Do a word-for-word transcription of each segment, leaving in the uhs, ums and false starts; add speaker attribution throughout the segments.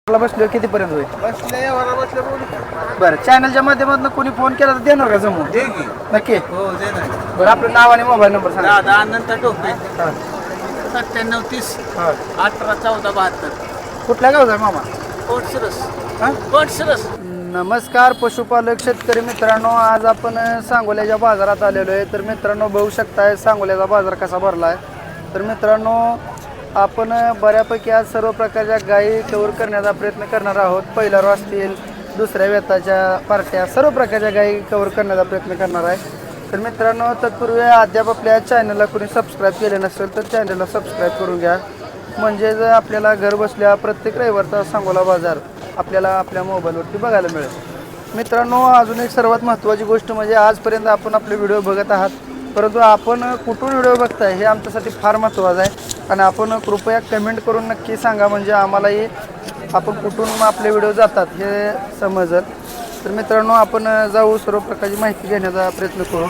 Speaker 1: मला बसलो कितीपर्यंत होईल?
Speaker 2: बसले वरा बसले बोलू.
Speaker 1: बरं, चॅनलच्या माध्यमातून कोणी फोन केला तर देणार का जमून?
Speaker 2: दे की.
Speaker 1: नक्की.
Speaker 2: हो दे ना.
Speaker 1: बरं, आपलं नाव आणि मोबाईल नंबर सांगा.
Speaker 2: दादा अनंत टोपे
Speaker 1: हां
Speaker 2: सत्त्याण्णव तीस
Speaker 1: हां.
Speaker 2: अठरा चौदा बहात्तर
Speaker 1: कुठल्या गावचा आहे मामा?
Speaker 2: कोटसरस
Speaker 1: हां.
Speaker 2: कोटसरस.
Speaker 1: नमस्कार पशुपालक शेतकरी मित्रांनो, आज आपण सांगोल्याच्या बाजारात आलेलो आहे. तर मित्रांनो बघू शकताय सांगोल्याचा बाजार कसा भरला आहे. तर मित्रांनो आपण बऱ्यापैकी आज सर्व प्रकारच्या गायी कव्हर करण्याचा प्रयत्न करणार आहोत. पहिला रो असतील, दुसऱ्या वेताच्या पार्ट्या, सर्व प्रकारच्या गायी कव्हर करण्याचा प्रयत्न करणार आहे. तर मित्रांनो तत्पूर्वी अद्याप आपल्या चॅनलला कोणी सबस्क्राईब केले नसेल तर चॅनलला सबस्क्राईब करून घ्या, म्हणजे जर आपल्याला घर बसल्या प्रत्येक रविवारचा सांगोला बाजार आपल्याला आपल्या मोबाईलवरती बघायला मिळेल. मित्रांनो अजून एक सर्वात महत्त्वाची गोष्ट म्हणजे आजपर्यंत आपण आपले व्हिडिओ बघत आहात, परंतु आपण कुठून व्हिडिओ बघताय हे आमच्यासाठी फार महत्त्वाचं आहे. आणि आपण कृपया कमेंट करून नक्की सांगा, म्हणजे आम्हालाही आपण कुठून आपले व्हिडिओ जातात हे समजेल. तर मित्रांनो आपण जाऊ, सर्व प्रकारची माहिती घेण्याचा प्रयत्न करू.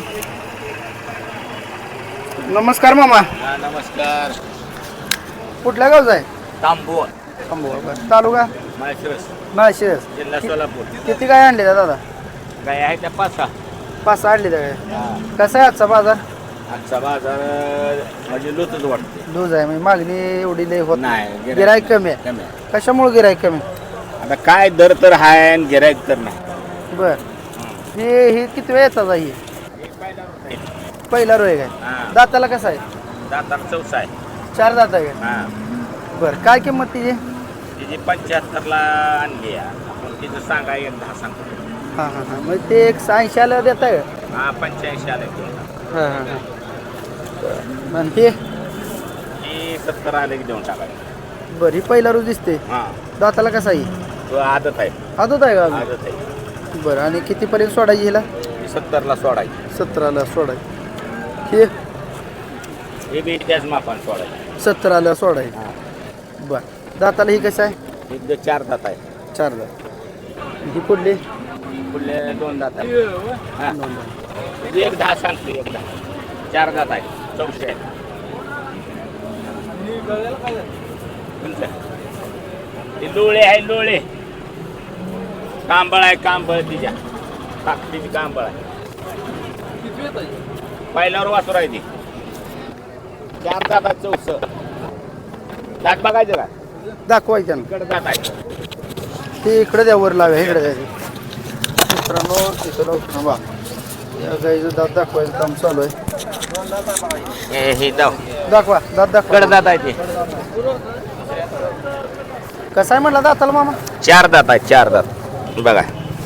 Speaker 1: नमस्कार मामा.
Speaker 2: नमस्कार.
Speaker 1: कुठल्या गावचा आहे?
Speaker 2: तांबूळ
Speaker 1: तांबोळ. तालुका
Speaker 2: माळशिरस
Speaker 1: माळशिरस.
Speaker 2: जिल्हा सोलापूर.
Speaker 1: किती गाय आणले दादा?
Speaker 2: काय आहे त्या पाच सहा.
Speaker 1: पाच सहा आणले त्या. कसा आहे आजचा बाजार?
Speaker 2: आजचा बाजार म्हणजे लुतच वाटते.
Speaker 1: लूज आहे म्हणजे मागणी एवढी लय होत
Speaker 2: नाही.
Speaker 1: गिराईक कमी आहे.
Speaker 2: कमी आहे.
Speaker 1: कशामुळे गिराईक कमी?
Speaker 2: आता काय दर तर आहे आणि गिराईक तर नाही.
Speaker 1: बर, हे हे किती वेळ येतात ही? पहिला रोय काय?
Speaker 2: हां.
Speaker 1: दाताला कसा आहे?
Speaker 2: दातार चौसा आहे.
Speaker 1: चार दात आहे काय?
Speaker 2: हां.
Speaker 1: बरं, काय किंमत तिची?
Speaker 2: तिची पंच्याहत्तरला आणली आहे. आपण तिचं सांगा एक दहा सांगतो.
Speaker 1: हां हां हां, म्हणजे ते एक ऐंशीला देत आहे का?
Speaker 2: हा पंच्याऐंशी आले.
Speaker 1: हां हां हां. आणि हे
Speaker 2: ही सत्तर आले की देऊन टाकायचं.
Speaker 1: बरं, ही पहिला रोज दिसते.
Speaker 2: हां.
Speaker 1: दाताला कसा आहे?
Speaker 2: तो आदत आहे.
Speaker 1: आदत आहे का अजून?
Speaker 2: आदत आहे.
Speaker 1: बरं, आणि कितीपर्यंत सोडायची हिला?
Speaker 2: ही सत्तरला सोडायची.
Speaker 1: सतराला सोडायची. हे
Speaker 2: हे बी त्याच मापान सोडायची.
Speaker 1: सतराला सोडायची.
Speaker 2: हां.
Speaker 1: बरं, दाताला ही कसं आहे?
Speaker 2: ही चार दात आहे.
Speaker 1: चार दात. ही कुठली?
Speaker 2: पुढले दोन दात आहे. हां.
Speaker 1: दोन दात.
Speaker 2: एक दहा सांगतो. एक दहा चार दात आहे. चौशे आहे. हे लोळे आहे. लोळे कांबळ आहे. कांबळ तिच्या ताकदीची कांबळ आहे. पहिल्यावर वासुर आहे ती. चार दात आहे. चौस दात बघायचं का?
Speaker 1: दाखवायचं ना.
Speaker 2: इकडे दात आहे.
Speaker 1: ते इकडे द्या, वर लाव्या इकडे द्या. मित्रांनो तिथं लावतो बा, या गाईचं दात दाखवायचं काम चालू आहे.
Speaker 2: हे हे दाव
Speaker 1: दाखवा दात दाखवा.
Speaker 2: इकडे दात आहे ते.
Speaker 1: कसं आहे म्हटलं दाताला मामा?
Speaker 2: चार दात आहे. चार दात बघा.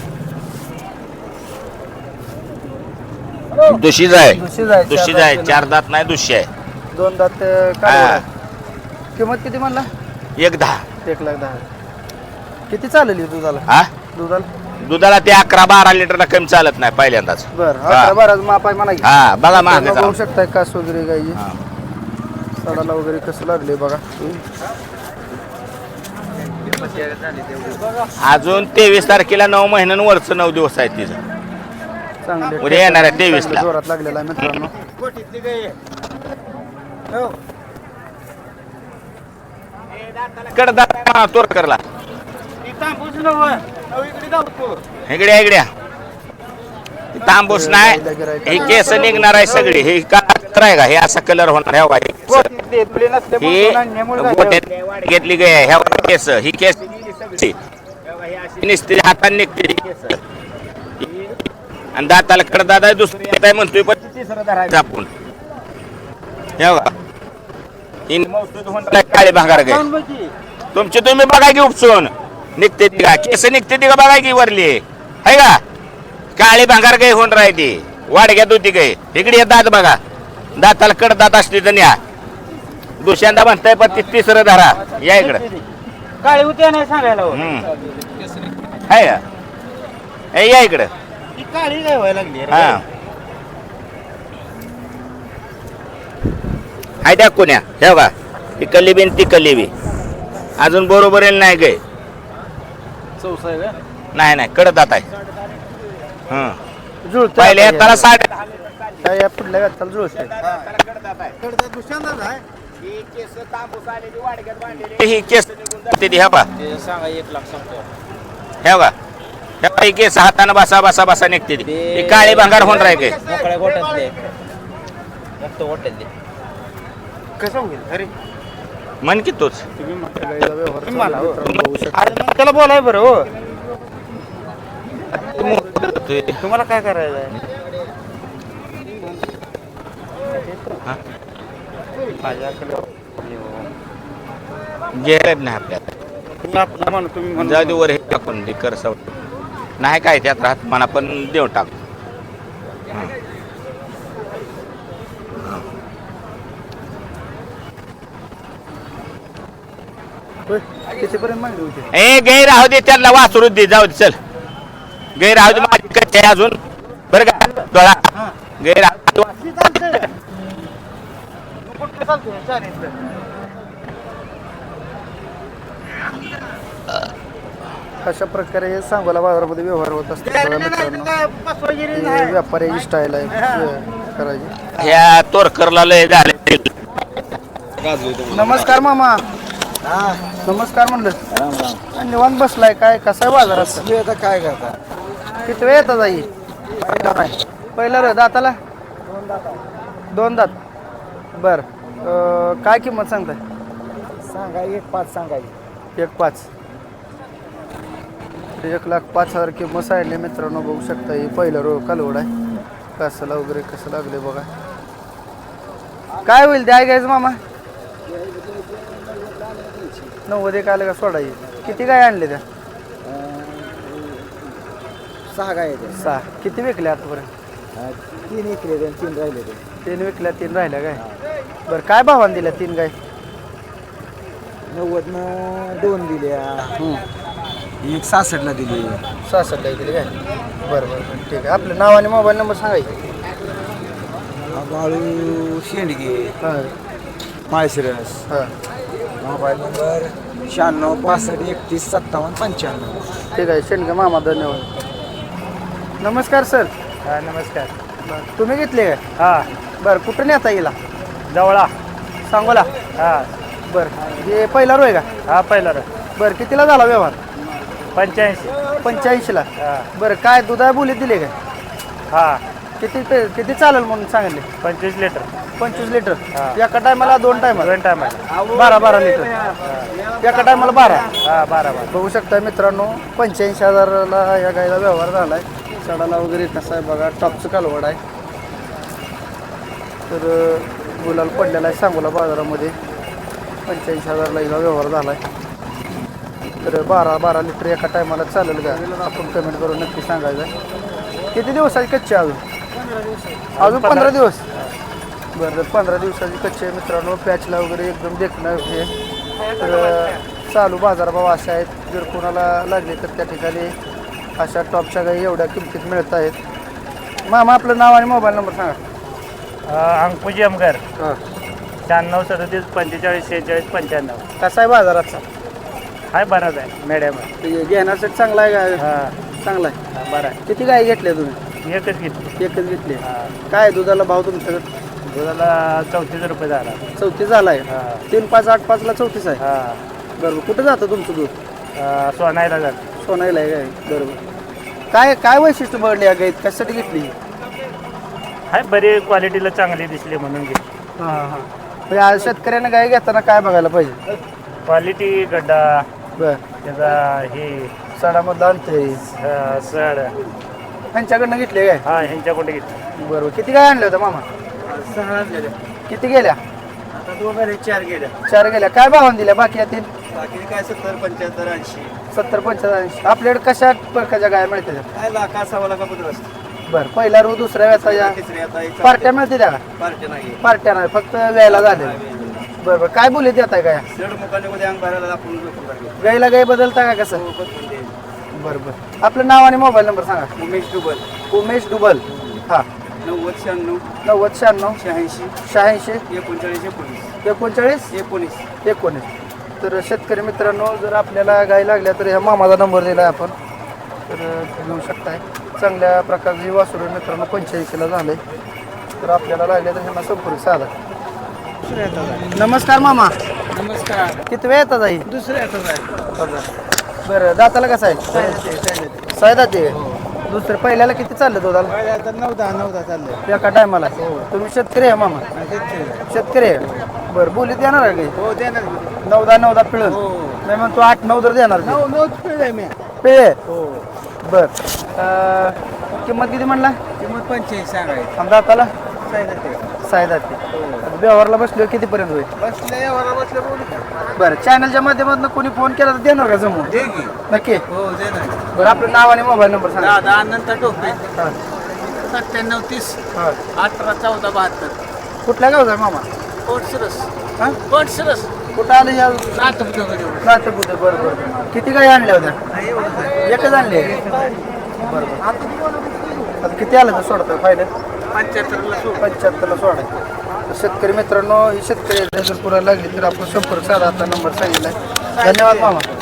Speaker 2: दुशीच आहे.
Speaker 1: दुसरी जायचं.
Speaker 2: दुशीच आहे. चार दात नाही. दुशी आहे.
Speaker 1: दोन दात
Speaker 2: हा.
Speaker 1: काय? किंमत किती म्हणला?
Speaker 2: एक दहा.
Speaker 1: एक लाख दहा. किती चालेल दुधाला?
Speaker 2: हा
Speaker 1: दुधाला
Speaker 2: दुधाला ते अकरा बारा लिटरला कमी चालत नाही पहिल्यांदाच.
Speaker 1: बरं,
Speaker 2: हा.
Speaker 1: अकरा बारा माप आहे म्हणा की.
Speaker 2: हा बघा मागे
Speaker 1: मित्रांनो,
Speaker 2: जाऊन.
Speaker 1: बघू शकताय कास वगैरे गाई
Speaker 2: हा.
Speaker 1: सडाला वगैरे कसं लागले बघा.
Speaker 2: अजून तेवीस तारखेला नऊ महिन्यानं वरचं नऊ दिवस आहे तिचं.
Speaker 1: चांगले
Speaker 2: उद्या येणार आहे तेवीस ला.
Speaker 1: जोरात लागलेला आहे मित्रांनो.
Speaker 2: कडदा तोर करला. इकड्या इकड्या तांबूस नाही. ही केस निघणार आहे सगळी. ही कात्र आहे का? हे असा कलर होणार आहे. ही गोट्यात घेतली गे ह्या केस. ही केस निसते हाताने निघते केस. आणि दाताला कडदात आहे. दुसरी येत आहे म्हणतोय पण तिसरं धरायचं आपण. हे बघा ही मौसूद होणार आहे. काळे भांगार गाय तुमची तुम्ही बघा की उपसून निघते ती का? केस निघते ती का? बघा की वरली आहे का? काळी भांगार गाय होऊन राहते. वाडग्यात होती गाय. इकडे दात बघा. दाताला कडदात असली तर न्या. दुसऱ्यांदा म्हणताय पण ती तिसरं धरा. या इकडं
Speaker 1: काळी होते नाही सांगायला.
Speaker 2: हाय का? ए, या इकडं.
Speaker 1: काळी काय व्हायला लागली?
Speaker 2: हा हाय त्या कोण्या हे बघा. ती कल्ली ती कल्ली अजून बरोबर नाही गे.
Speaker 1: चौसा आहे का?
Speaker 2: नाही नाही कडदात आहे. हं
Speaker 1: जुळत
Speaker 2: पहिल्या त्याला साठ
Speaker 1: काय या पुढल्या व्यक्ताला जुळत आहे.
Speaker 2: ही केस निघून जाते ती, ह्या बा
Speaker 3: सांगा एक लाख सांगतो
Speaker 2: ह्या बा ह्या बा, ही केस हातानं बसा बसा बसा निघते ती ही काळी भांगार होऊन राहील
Speaker 3: मोकळ्या गोट्यातले मुक्त गोट्यातले
Speaker 1: कसं होईल अरे
Speaker 2: म्हण की तोच
Speaker 1: गाईला व्यवहार चालू आहे मित्रांनो, बघू शकता.
Speaker 3: अरे मग त्याला बोलाय बरं हो तुम्हाला काय करायचं आहे
Speaker 2: हा?
Speaker 3: माझ्याकडे
Speaker 2: गेलं नाही आपल्याला
Speaker 3: तुम्ही आपलं म्हणून तुम्ही म्हणून
Speaker 2: जाऊ दे वर हे टाकून दे कर सव नाही काय त्यात राहत म्हणा पण देऊ टाक हा.
Speaker 1: होय, कितीपर्यंत मागणी होती
Speaker 2: ए गैर राहू दे त्यांना वासरू दे जाऊ दे चल गैर राहू दे माझी कच्ची आहे अजून बरं का डोळा गैर राहू दे.
Speaker 1: अशा प्रकारे हे सांगोला बाजारामध्ये व्यवहार होत असतात बघा मित्रांनो. हे व्यापाऱ्याची स्टाईल आहे हे करायची.
Speaker 2: ह्या तोरकरला लय झाले
Speaker 1: नमस्कार मामा. नमस्कार म्हणलं. निवांत बसलाय काय कसा आहे बाजारात
Speaker 3: आता काय करता
Speaker 1: किती वेळ येतात आई पहिला रे दाताला दोन दात बर अं, काय किंमत सांगताय
Speaker 3: सांगा एक पाच सांगायची
Speaker 1: एक पाच एक लाख पाच हजार किंमत सांगितली मित्रांनो. बघू शकता ही पहिलं रो कालवड आहे कासाला वगैरे कसं लागले बघा. काय होईल द्याय घ्यायचं मामा नव्वद एक आलं का सोडायची किती काय आणले त्या
Speaker 3: सहा गाय
Speaker 1: सहा किती विकल्या आतापर्यंत
Speaker 3: तीन इकडे तीन राहिले ते
Speaker 1: तीन विकल्या तीन राहिल्या काय बरं काय भावानं दिल्या तीन गाय
Speaker 3: नव्वद न दोन दिल्या एक सहासष्टला दिली
Speaker 1: सहासष्टला दिली काय बरं बरं बरं ठीक आहे आपलं नाव आणि मोबाईल नंबर सांगायचे
Speaker 3: बाळू शेंडगे
Speaker 1: हां
Speaker 3: माळशिरस
Speaker 1: हां
Speaker 3: मोबाईल नंबर शहाण्णव पासष्ट एकतीस सत्तावन्न पंच्याण्णव
Speaker 1: ठीक आहे शेंडगे मामा धन्यवाद. नमस्कार सर.
Speaker 3: हा नमस्कार
Speaker 1: बरं तुम्ही घेतले काय
Speaker 3: हा
Speaker 1: बरं कुठून येता येईल
Speaker 3: जवळा
Speaker 1: सांगोला
Speaker 3: हा
Speaker 1: बरं हे पहिला रो आहे का
Speaker 3: हा पहिला
Speaker 1: बरं कितीला झाला व्यवहार
Speaker 3: पंच्याऐंशी
Speaker 1: पंच्याऐंशीला
Speaker 3: हा
Speaker 1: बरं काय दुधा बोलीत दिले काय
Speaker 3: हा
Speaker 1: किती पे- किती चालेल म्हणून सांगितले
Speaker 3: पंचवीस लिटर
Speaker 1: पंचवीस लिटर
Speaker 3: हा.
Speaker 1: एका टायमाला दोन टायमाला
Speaker 3: दोन टायमाला
Speaker 1: बारा बारा लिटर एका टायमाला बारा
Speaker 3: हा बारा बारा
Speaker 1: बघू शकता मित्रांनो पंच्याऐंशी हजाराला या गायला व्यवहार झालाय. सडाला वगैरे कसा आहे बघा टॉपचं कालवड आहे तर अं, गुलाल पडलेला आहे सांगोला बाजारामध्ये पंच्याऐंशी हजारला हिला व्यवहार झालाय. तर बारा बारा लिटर एका टायमाला चालेल का आपण कमेंट करून नक्की सांगायचं आहे. किती दिवसाची कच्ची आहे अजून अजून पंधरा दिवस बरं तर पंधरा दिवसाची कच्ची आहे मित्रांनो. पॅचला वगैरे एकदम देखणं हे तर अं, चालू बाजारभाव अशा आहेत जर कोणाला लागले तर त्या ठिकाणी अशा टॉपच्या गाई एवढ्या किमतीत मिळत आहेत. मामा आपलं नाव आणि मोबाईल नंबर सांगा.
Speaker 3: अंकुजी अमगर
Speaker 1: हां
Speaker 3: शहाण्णव सदतीस पंचेचाळीस शेहेचाळीस पंच्याण्णव
Speaker 1: कसा आहे बाजाराचा
Speaker 3: हाय बराच आहे मॅडम
Speaker 1: ते घेण्यासाठी चांगला आहे का
Speaker 3: हा
Speaker 1: चांगला आहे
Speaker 3: बरं आहे
Speaker 1: किती गाय घेतल्या तुम्ही
Speaker 3: एकच घेतली
Speaker 1: एकच घेतली काय दुधाला भाव तुमच्याकडे
Speaker 3: दुधाला चौतीस रुपये झाला
Speaker 1: चौतीस झाला आहे
Speaker 3: हा
Speaker 1: तीन पाच आठ पाचला चौतीस आहे
Speaker 3: हा
Speaker 1: बरोबर कुठं जातं तुमचं दूध
Speaker 3: अं, सोनायला जात
Speaker 1: सोनाईला आहे काय बरोबर काय काय वैशिष्ट्य बघले या गाईत कशासाठी घेतली
Speaker 3: हाय बरी क्वालिटीला चांगली दिसली म्हणून घेतली
Speaker 1: हां हां म्हणजे आज शेतकऱ्यांना गाय घेताना काय बघायला पाहिजे
Speaker 3: क्वालिटी गड्डा
Speaker 1: बरं
Speaker 3: त्याचा हे
Speaker 1: सडामधलं अंतर
Speaker 3: अं, सड
Speaker 1: त्यांच्याकडनं घेतले काय
Speaker 3: हा ह्यांच्याकडे घेतली
Speaker 1: बरोबर किती गाय आणल्या होत्या मामा
Speaker 3: सहा गेल्या
Speaker 1: किती गेल्या
Speaker 3: आता दोन चार गेल्या
Speaker 1: चार गेल्या काय भावाने दिल्या बाकी या तीन
Speaker 3: बाकी काय सत्तर पंच्याहत्तर ऐंशी
Speaker 1: सत्तर पंच्याऐंशी आपल्याकडे कशा प्रकारच्या गाय मिळते
Speaker 3: काय लाखा सव्वा लाखा पत्र असते
Speaker 1: बरं पहिला रो दुसऱ्या व्याचा
Speaker 3: तिसरी आता
Speaker 1: पार्ट्या मिळते त्या का
Speaker 3: पार्टी नाही
Speaker 1: पार्ट्या नाही फक्त व्यायला झाले बरं बरं काय बोलत येत आहे काय
Speaker 3: दीड मुखाने मध्ये अंग भरायला आपण झोपून टाकले.
Speaker 1: गाईला गाई बदलता का कसं बरं बरं आपलं नाव आणि मोबाईल नंबर सांगा.
Speaker 3: उमेश डुबल
Speaker 1: उमेश डुबल हां
Speaker 3: नव्वद शहाण्णव
Speaker 1: नव्वद शहाण्णव
Speaker 3: शहाऐंशी
Speaker 1: शहाऐंशी
Speaker 3: एकोणचाळीस एकोणीस
Speaker 1: एकोणचाळीस
Speaker 3: एकोणीस
Speaker 1: एकोणीस तर शेतकरी मित्रांनो जर आपल्याला गाई लागल्या तर ह्या मामाचा नंबर दिला आहे आपण तर घेऊ शकताय. चांगल्या प्रकारची वासुरू मित्रांनो पंच्याऐंशीला झाले तर आपल्याला लागल्या तर ह्यांना संपर्क साधा.
Speaker 4: दुसऱ्या येतात आहे.
Speaker 1: नमस्कार मामा.
Speaker 4: नमस्कार.
Speaker 1: किती वेळ येतात आई?
Speaker 4: दुसऱ्या येतात आहे.
Speaker 1: बरं दाताला कसं आहे? सायदा ते दुसरं पहिल्याला किती चाललं दुधाला?
Speaker 4: पहिले आता नऊ दहा नऊ दहा चाललंय.
Speaker 1: एका टायमाला तुम्ही शेतकरी आहे मामा? शेतकरी आहे. बरं बोलीत देणार आहे काही?
Speaker 4: हो देणार.
Speaker 1: नऊ दहा नऊ दहा पिळून
Speaker 4: हो
Speaker 1: नाही म्हणतो आठ नऊ तर देणार ते.
Speaker 4: नऊ नऊच पिढ आहे मी.
Speaker 1: पिळे
Speaker 4: हो.
Speaker 1: बर अं, किंमत किती म्हणला?
Speaker 4: किंमत पंच्याऐंशी सांगायची.
Speaker 1: आणि दाताला
Speaker 4: सांगितलं ते.
Speaker 1: सायदाते व्यवहारला बसलो कितीपर्यंत होईल?
Speaker 4: बसले यावर बसले बोलू.
Speaker 1: बरं चॅनलच्या माध्यमातून कोणी फोन केला तर देणार का जमून?
Speaker 4: दे की.
Speaker 1: नक्की.
Speaker 4: हो देणार.
Speaker 1: बरं आपलं नाव आणि मोबाईल नंबर सांगा.
Speaker 4: दहा दहा नंतर टोपे.
Speaker 1: हा.
Speaker 4: सत्त्याण्णव तीस
Speaker 1: हा.
Speaker 4: अठरा चौदा बहात्तर.
Speaker 1: कुठल्या गावचा आहे मामा?
Speaker 4: कोटशिरस.
Speaker 1: हा
Speaker 4: कोटशिरस.
Speaker 1: कुठं आलं या
Speaker 4: नातक वगैरे.
Speaker 1: नातेपुते? बरं बरं किती गाई आणल्या होत्या? एकच आणली आहे? बरं बरं आता किती आलं तर सोडतं फायदा?
Speaker 4: पंच्याहत्तरला सोड.
Speaker 1: पंच्याहत्तरला सोडायचं. तर शेतकरी मित्रांनो ही शेतकरी जर पुरा लागली तर आपण संपर्क साधा आता नंबर सांगितला. धन्यवाद मामा.